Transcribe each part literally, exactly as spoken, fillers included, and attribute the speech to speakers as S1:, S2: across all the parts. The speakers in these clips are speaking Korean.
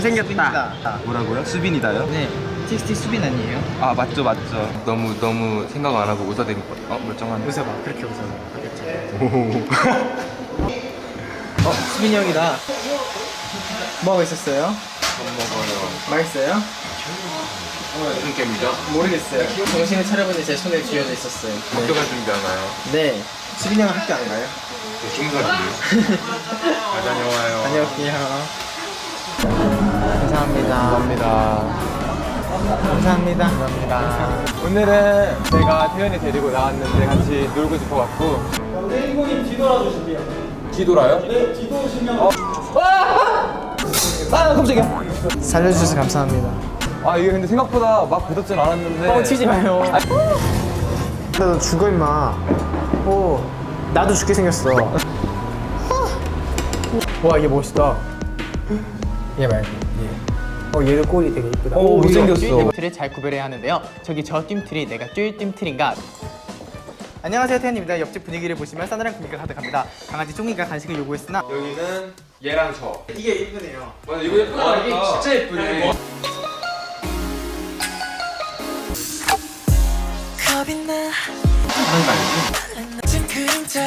S1: 생겼다.
S2: 뭐라고요? 수빈이다요?
S1: 네, 티엑스티 수빈 아니에요?
S2: 아 맞죠 맞죠. 너무 너무 생각 안 하고 웃어대는 거. 어 멀쩡한.
S1: 웃어봐, 그렇게 웃어봐.
S2: 오.
S1: 어, 수빈이 형이다. 뭐하고 있었어요?
S2: 밥 먹어요.
S1: 맛있어요?
S2: 무슨 게임이죠?
S1: 모르겠어요. 정신을 차려보니 제 손에 쥐어져 있었어요.
S2: 학교 갈 준비하나요?
S1: 네. 수빈이 형은 학교 안 가요?
S2: 스무 살인데요. 잘 다녀와요.
S1: 다녀올게요. 감사합니다.
S2: 감사합니다.
S1: 감사합니다.
S2: 감사합니다. 오늘은 제가 태연이 데리고 나왔는데 같이 놀고 싶어갖고.
S3: 주인공님 뒤돌아 주실게요.
S2: 뒤돌아요?
S3: 네, 뒤도시면
S2: 어. 아 깜짝이야.
S1: 살려주셔서 감사합니다.
S2: 아 이게 근데 생각보다 막 부럽진 않았는데.
S1: 어, 치지 마요. 너 죽어 임마. 오, 나도 죽게 생겼어. 와, 얘 멋있다. 얘 말고 얘. 어, 얘도 꼴이 되게 이쁘다.
S2: 오, 못생겼어.
S1: 띠임틀을 잘 구별해야 하는데요. 저기 저 띠임틀이 내가 쫄 띠임틀인가? 안녕하세요, 태연입니다. 옆집 분위기를 보시면 싸늘한 분위기가 가득합니다. 강아지 쫑이가 간식을 요구했으나
S2: 여기는 얘랑 저.
S1: 이게 예쁘네요.
S2: 맞아 이거 예쁘다. 와, 이게 진짜 예쁘네.
S4: 겁이 나
S2: 하는 거 알지?
S4: 진 그림자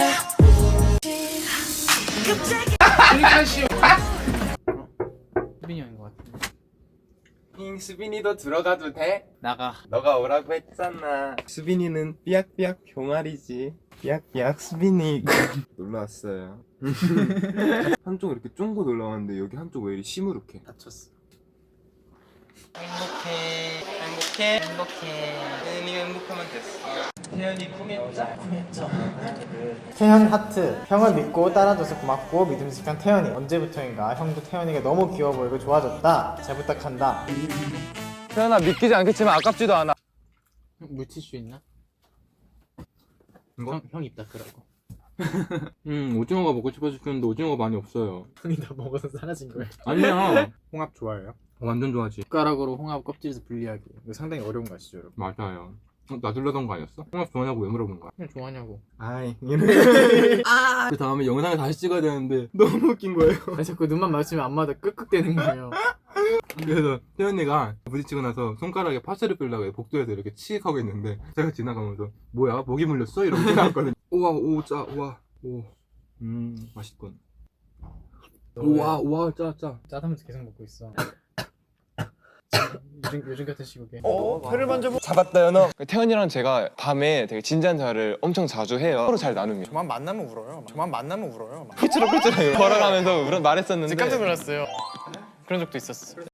S1: 수빈이 형인 것 같은데.
S2: 잉 수빈이도 들어가도 돼?
S1: 나가.
S2: 너가 오라고 했잖아. 수빈이는 삐약삐약 병아리지. 삐약삐약 수빈이. 놀러 왔어요. 한쪽 이렇게 쫑고 놀러 왔는데 여기 한쪽 왜 이리 시무룩해?
S1: 다쳤어. 행복해, 행복해, 행복해.
S2: 태연이 행복하면 됐어. 태연이 구매자.
S1: 태연 하트. 형을 믿고 따라줘서 고맙고 믿음직한 태연이. 언제부터인가 형도 태연이가 너무 귀여워 보이고 좋아졌다. 잘 부탁한다.
S2: 태연아 믿기지 않겠지만 아깝지도 않아.
S1: 물티슈 있나?
S2: 이거?
S1: 형, 형 입 닦으라고.
S2: 음 오징어가 먹고 싶어졌는데 오징어가 많이 없어요.
S1: 형이 다 먹어서 사라진 거예요.
S2: 아니야.
S1: 홍합 좋아해요?
S2: 완전 좋아하지.
S1: 숟가락으로 홍합 껍질에서 분리하기. 이거 상당히 어려운 거 아시죠, 여러분?
S2: 맞아요. 어, 놔둘려던 거 아니었어? 홍합 좋아하냐고 왜 물어본 거야?
S1: 그냥 좋아하냐고.
S2: 아이 그 다음에 영상을 다시 찍어야 되는데 너무 웃긴 거예요.
S1: 아, 자꾸 눈만 마주치면 안마다 끄끄대는 거예요.
S2: 그래서 태연이가 부딪히고 나서 손가락에 파스를 뿌리려고 복도에서 이렇게 치익 하고 있는데 제가 지나가면서 뭐야 목이 물렸어? 이러고 지나갔거든요. 우와 오짜 우와 오음 맛있군. 우와 우와 짜짜.
S1: 짜다면서 계속 먹고 있어. 요즘, 요즘 같은 시국에.
S2: 어? 혀를 만져보 잡았다 연어. 태연이랑 제가 밤에 되게 진지한 대화를 엄청 자주 해요. 서로 잘 나누면.
S1: 저만 만나면 울어요. 저만 만나면 울어요.
S2: 삐뚤어 삐뚤어 걸어가면서 말했었는데
S1: 깜짝 놀랐어요. 그런 적도 있었어.